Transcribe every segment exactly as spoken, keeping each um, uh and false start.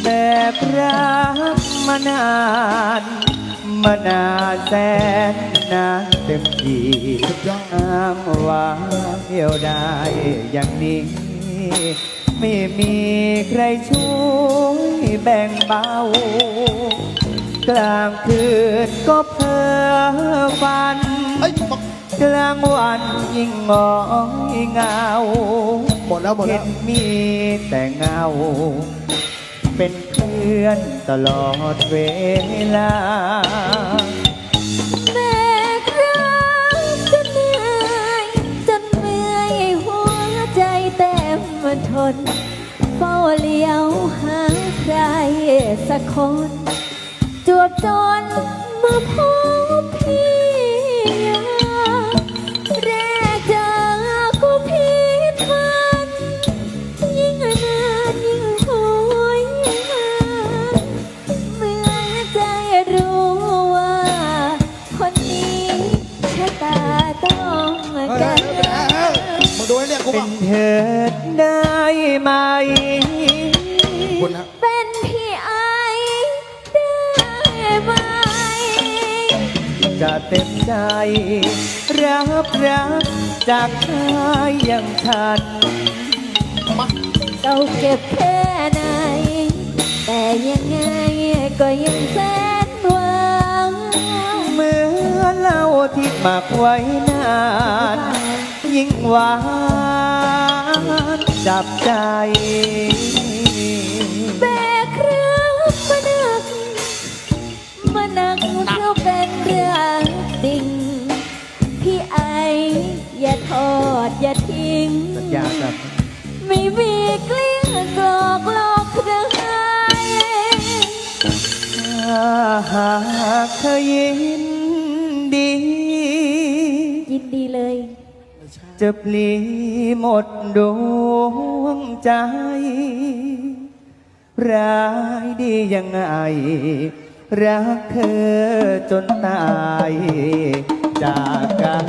แบกรักมานานมานานแสนนานเต็มทีอ้างว่าเดียวได้อย่างนี้ไม่มีใครช่วยแบ่งเบากลางคืนก็เพ้อฝันกลางวันยิ่งงอยเงาหมดแล้วหมดแล้วเห็นมีแต่เงาเป็นเพื่อนตลอดเวลาแบกรักจนเหนื่อยจนเมื่อยหัวใจเต็มทนเฝ้าเลี้ยวหาใครสักคนจวบจนมาพบพี่แรกเจอก็ผิดหวังยิ่งนานยิ่งหวยหาเมื่อใจรู้ว่าคนนี้ชะตาต้องกันมาดูให้เนี่ยกูเป็บ้างนเธอได้ไหมคุณนะเป็นพี่ไอได้ไหมจะเต็มใจรับรักจากชายอย่างฉันเราเก็บแค่ไหนแต่ยังไงก็ยังแสนหวังเมื่อเล่าที่หมักไว้นานยิ่งหวานจับใจแบกเรื่องมาหนักมาหนักเพราะเป็นเรื่องจริงพี่ไออย่าทอดอย่าทิ้งสัญญาครับไม่มีเกลี้ยกลอกหลอกใครถ้าหากเธอยินดียินดีเลยจะปลีหมดดวงใจร้ายดียังไงรักเธอจนตายจากกัน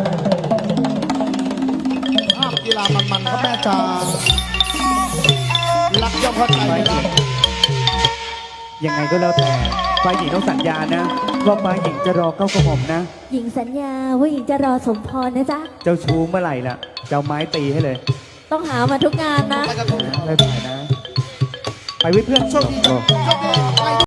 ภาพกีฬามันๆครับแม่จ๋ารักย่อมเข้าใจนะยังไงก็แล้วแต่ฝ่ายหญิงต้องสัญญานะว่าฝ่ายหญิงจะรอเก้ากระหม่อมนะหญิงสัญญาว่าหญิงจะรอสมพรนะจ๊ะเจ้าชู้เมื่อไหร่ล่ะเจ้าไม้ตีให้เลยต้องหามาทุกงานนะไม่ไปนะไปวิเพื่อนโชคดีโชคดี